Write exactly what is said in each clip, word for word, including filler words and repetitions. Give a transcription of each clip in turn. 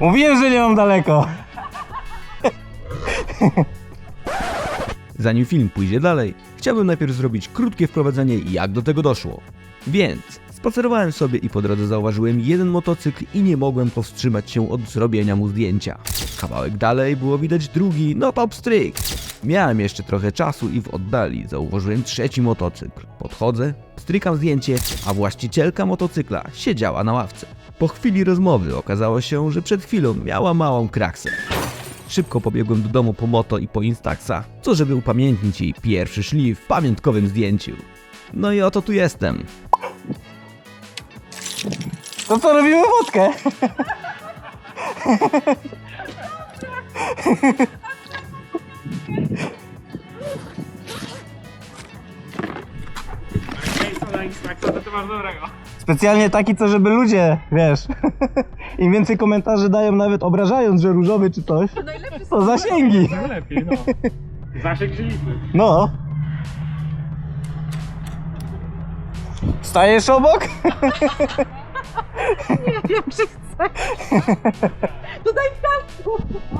Mówiłem, że nie mam daleko. Zanim film pójdzie dalej, chciałbym najpierw zrobić krótkie wprowadzenie, jak do tego doszło. Więc spacerowałem sobie i po drodze zauważyłem jeden motocykl i nie mogłem powstrzymać się od zrobienia mu zdjęcia. Kawałek dalej było widać drugi, no top stryk. Miałem jeszcze trochę czasu i w oddali zauważyłem trzeci motocykl. Podchodzę, strykam zdjęcie, a właścicielka motocykla siedziała na ławce. Po chwili rozmowy okazało się, że przed chwilą miała małą kraksę. Szybko pobiegłem do domu po moto i po Instaxa, co żeby upamiętnić jej pierwszy szlif w pamiątkowym zdjęciu. No i oto tu jestem. To co, robimy wódkę? Specjalnie taki, co żeby ludzie, wiesz, im więcej komentarzy dają, nawet obrażając, że różowy czy coś, to zasięgi. Najlepiej, no. Zasięg się liczy. No. Stajesz obok? Nie wiem, czy chcę. To daj piasku.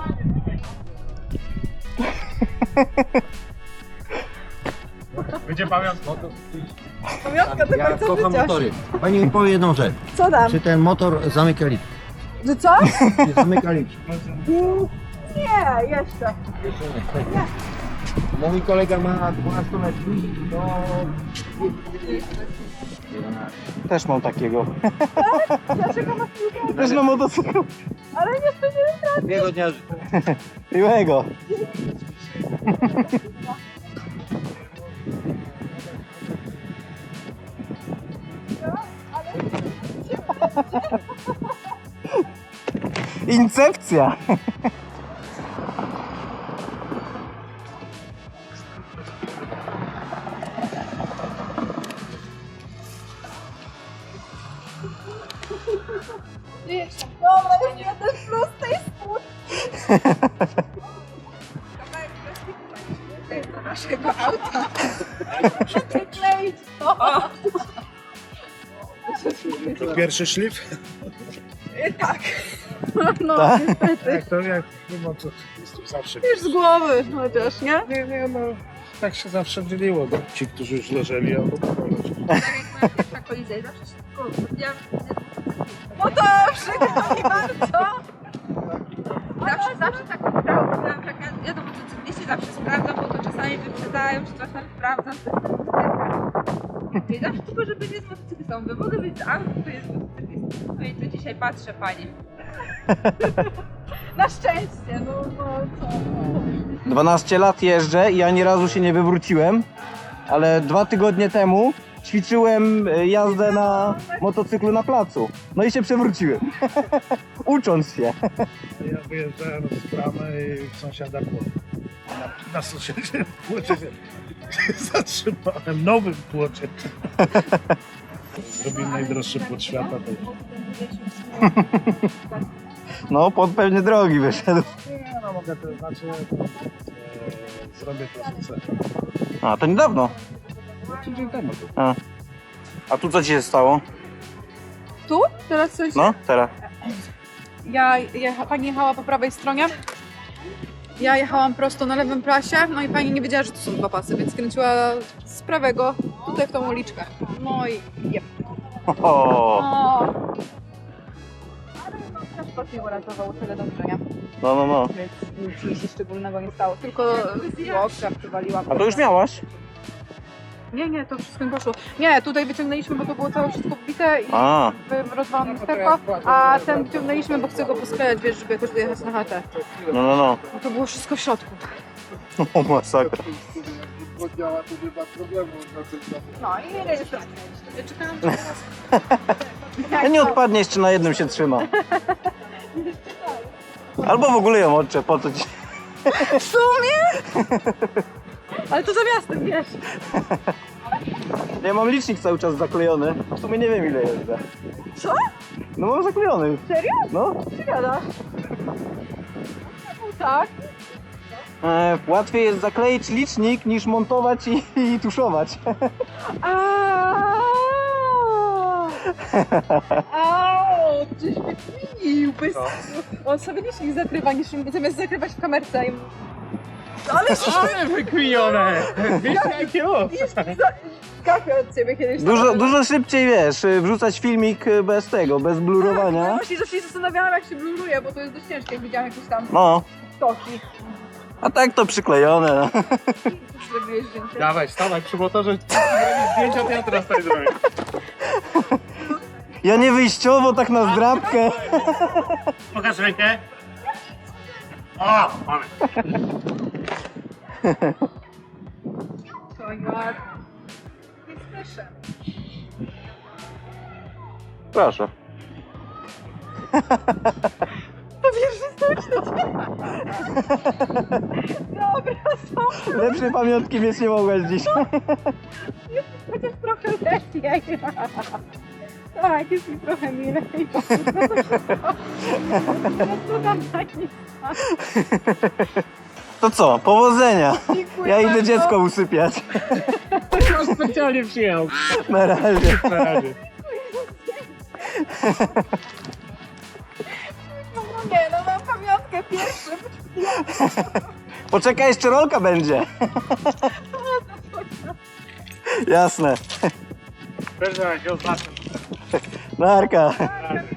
Będzie pamiątka. Pamiątka do Ja końca kocham życia. motory. Pani mi powie jedną rzecz. Co tam? Czy ten motor zamyka liczbę? Że co? Czy zamyka liczbę? Nie, jeszcze. Nie. Mój kolega ma dwunastoletni, to... Też mam takiego. Dlaczego masz piłkę? Też na motocyklu. Ale nie wtedy. Miłego dnia życzę. Miłego. Incepcja. Dobra, już jeden plus tej spód. Do naszego auta. Przykleić to. Pierwszy szlif? Tak. No, Tak? niestety. Jak to, jak, no to jest tu zawsze. Już z głowy chociaż, nie? Nie, nie, no. Tak się zawsze dzieliło, bo ci, którzy już leżeli, albo Pierwsza kolizja i zawsze się tylko... Ja, No to przykro mi bardzo. zawsze, zawsze tak wybrałam, tak, ja, ja do motocykliści zawsze sprawdzam, bo to czasami wyprzedzają, czy coś tam sprawdzam w tych lusterkach. I zawsze tylko, żeby nie z motocyklistą, by mogę być z auto, to jest motocyklistą. No i tu dzisiaj patrzę, pani. Na szczęście, no, no co. dwanaście lat jeżdżę i ani razu się nie wywróciłem, ale dwa tygodnie temu ćwiczyłem jazdę na motocyklu na placu. No i się przewróciłem. Ucząc się. ja wyjeżdżałem z bramy i sąsiada płocie. Na, na sąsiedzie płocie się zatrzymałem, nowym płocie. Zrobił najdroższy płot świata. To... No, pod pewnie drogi wyszedł. Nie, no mogę to znaczy, e, zrobię to co chcę. A, to niedawno. Tydzień temu. A, A tu co ci się stało? Tu? Teraz coś? No, teraz. Ja, jecha, pani jechała po prawej stronie. Ja jechałam prosto na lewym prasie, no i pani nie wiedziała, że to są dwa pasy, więc skręciła z prawego tutaj w tą uliczkę. No i jep. O, O. Ale no, transport mnie uratował, tyle dobrze, nie? no, no, no. Więc nic mi się szczególnego nie stało, tylko łokcia przywaliła. A to już miałaś? Nie, nie, to wszystko mi poszło. Nie, tutaj wyciągnęliśmy, bo to było całe wszystko wbite i A, rozwalone lusterko, a ten wyciągnęliśmy, bo chcę go posklejać, wiesz, żeby jakoś dojechać na chatę. no, no, no. No to było wszystko w środku. O, masakra. No i rejestracja. Czekałam, że teraz... A nie odpadnie, jeszcze na jednym się trzyma. Albo w ogóle ją odczep, po co ci... W sumie? Ale to za miastem, wiesz. Ja mam licznik cały czas zaklejony. W sumie nie wiem ile jeżdżę. Co? No mam zaklejony. Serio? No. Ty gadasz? No tak. E, łatwiej jest zakleić licznik niż montować i, i tuszować. Aaaa! Au! on gdzieś wykminił, bez... On sobie licznik zakrywa, niż zamiast zakrywać w kamerce. I... Ale Ale wykminione! Wiesz jakiego? kafe od ciebie kiedyś. Dużo, dużo szybciej, wiesz, y, wrzucać filmik y, bez tego, bez Ja blurowania. właśnie zawsze się zastanawiałam, jak się bluruje, bo to jest dość ciężkie, jak widziałam jakieś tam No, toki. a tak to przyklejone. Zrobiłeś zdjęcie. Dawaj, stawaj przy motorze, zrobić zdjęcia, to ja teraz tutaj zrobię. Ja nie wyjściowo, tak na zdrabkę. Pokaż rękę. O, mamy. To ja... Nie słyszę. Proszę. To pierwszy styczny. Dobra, są. Lepszej pamiątki mieć nie mogłaś dziś. Chociaż trochę lepiej. Tak, jest mi trochę milej. No to tam tak nie To co, powodzenia. Dziękuję Ja idę bardzo. dziecko usypiać. On specjalnie przyjechał. Na razie. Na razie. No nie, no mam pamiątkę pierwszym. Poczekaj, jeszcze rolka będzie. Jasne. Też na razie oznaczę. Narka. Na razie.